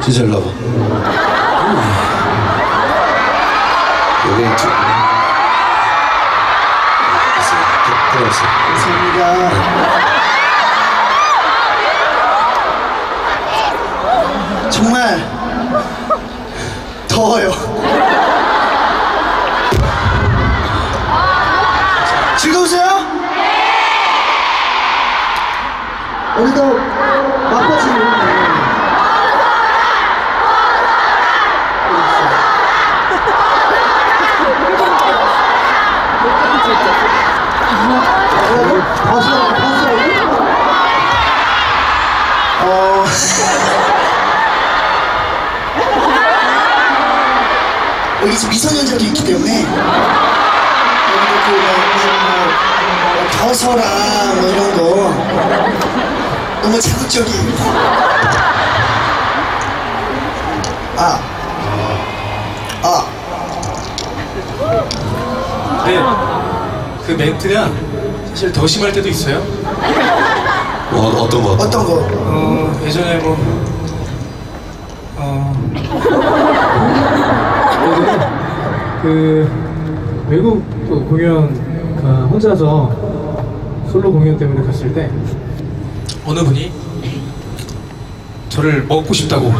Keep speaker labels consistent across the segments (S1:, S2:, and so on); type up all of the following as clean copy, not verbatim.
S1: 진짜 일로 와봐. 여기 있지. 들어왔어.
S2: 감사합니다. 정말 더워요. 즐거우세요? 우리도 막바지 여기 지금 미성년자도 있기 때문에 여러분들 겨서라 뭐 이런 거 너무 자극적이에요.
S3: 네, 그 멘트가 사실 더 심할 때도 있어요.
S1: 어떤 거?
S2: 어떤 거?
S3: 예전에 뭐 예전에 그 외국 또 공연 혼자서 솔로 공연 때문에 갔을 때 어느 분이 저를 먹고 싶다고.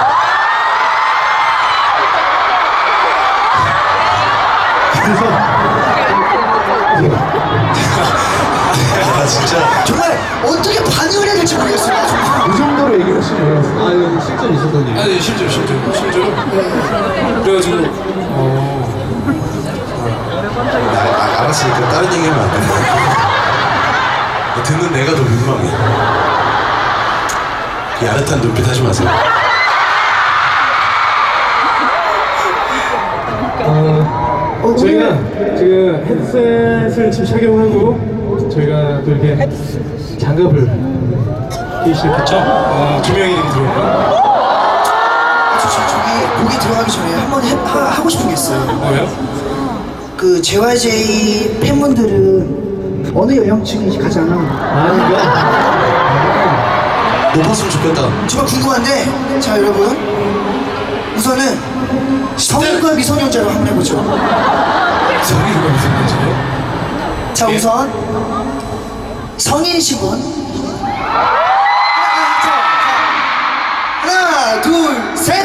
S1: 아 진짜.
S2: 정말 어떻게 반응을 해야 될지 모르겠어요. 정말.
S4: 그 정도로 얘기를 하시면 이건 실제로 있었던 일.
S3: 아니 실제로 그래가지고
S1: 알았으니까 다른 얘기하면 안 돼. 듣는 내가 더 민망해. 그 야릇한 눈빛 하지 마세요.
S3: 저희가 지금 헤드셋을 지금 착용하고 저희가 또 이렇게 장갑을 끼시겠죠? 두 명이 들어오고.
S2: 저기 곡이 들어가기 전에 한번 하고 싶은 게 있어요.
S3: 뭐예요?
S2: 그 JYJ 팬분들은 어느 연령층이 가장
S1: 높았으면 좋겠다.
S2: 정말 궁금한데, 자 여러분, 우선은 성인과 미성년자로 한번 해보죠.
S3: 성인과 미성년자요?
S2: 자
S3: 예.
S2: 우선 성인이신 분 하나 둘 셋.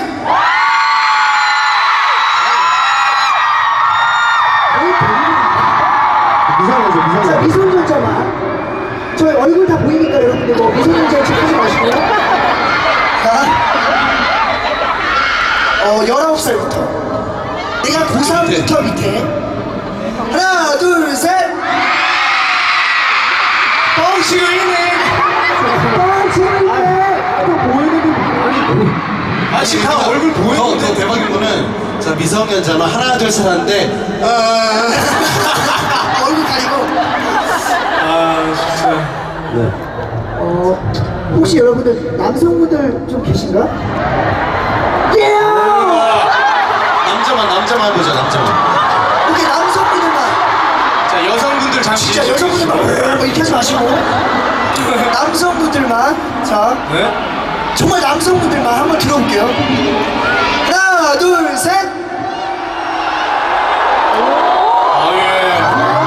S4: 미상하죠,
S2: 자
S4: 미상하죠.
S2: 미성년자만 저희 얼굴 다 보이니까 여러분들 뭐 미성년자 체크하지 마시고요. 자 19살부터 내가 고3부터 밑에 하나 둘 셋. 뻥치고 있네. 뻥치고 있네. 또 보이는
S3: 아 지금 다 얼굴 보이는데.
S1: 더 대박인 거는 자 미성년자는 하나 둘 셋 하는데
S2: 얼굴 가리고.
S3: 아 진짜.
S4: 네.
S2: 혹시 여러분들 남성분들 좀 계신가? 예!
S1: 남자만 해보자. 남자만.
S2: 오케이 남성분들만.
S3: 자 여성분들 잠시.
S2: 진짜 여성분들만 이렇게 하지 마시고 남성분들만. 자
S3: 네?
S2: 정말 남성분들만 한번 들어볼게요. 하나 둘 셋.
S3: 아 예.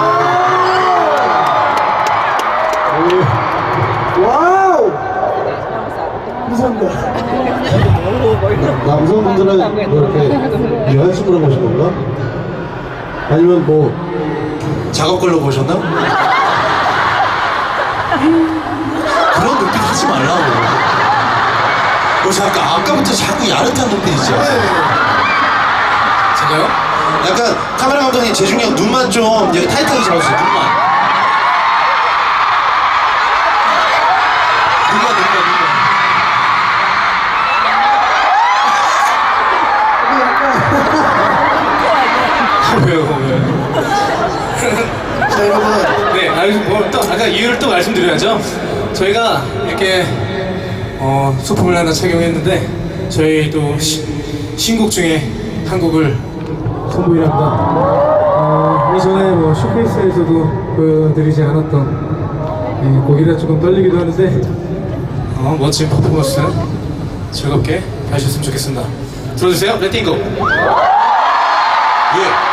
S2: 와우. 감사합니다.
S4: 남성분들은 뭐 이렇게 여자친구랑 보신 건가? 아니면 뭐
S1: 작업 걸로 보셨나? 그런 눈빛 하지 말라고. 잠깐 아까부터 자꾸 야릇한 눈빛이죠.
S3: 제가요?
S1: 약간 카메라 감독님 재중이 형 눈만 좀 여기 타이트하게 잡아주세요. 눈만.
S3: 왜요?
S2: 자 여러분
S3: 네, 뭐또 아까 이유를 또 말씀드려야죠. 저희가 이렇게 소품을 하나 착용했는데 저희 또 신곡 중에 한 곡을 선보이랍니다. 이전에 뭐 쇼케이스에서도 보여드리지 않았던 곡이라 조금 떨리기도 하는데 멋진 퍼포먼스 즐겁게 하셨으면 좋겠습니다. 들어주세요. 레팅고.
S1: 예.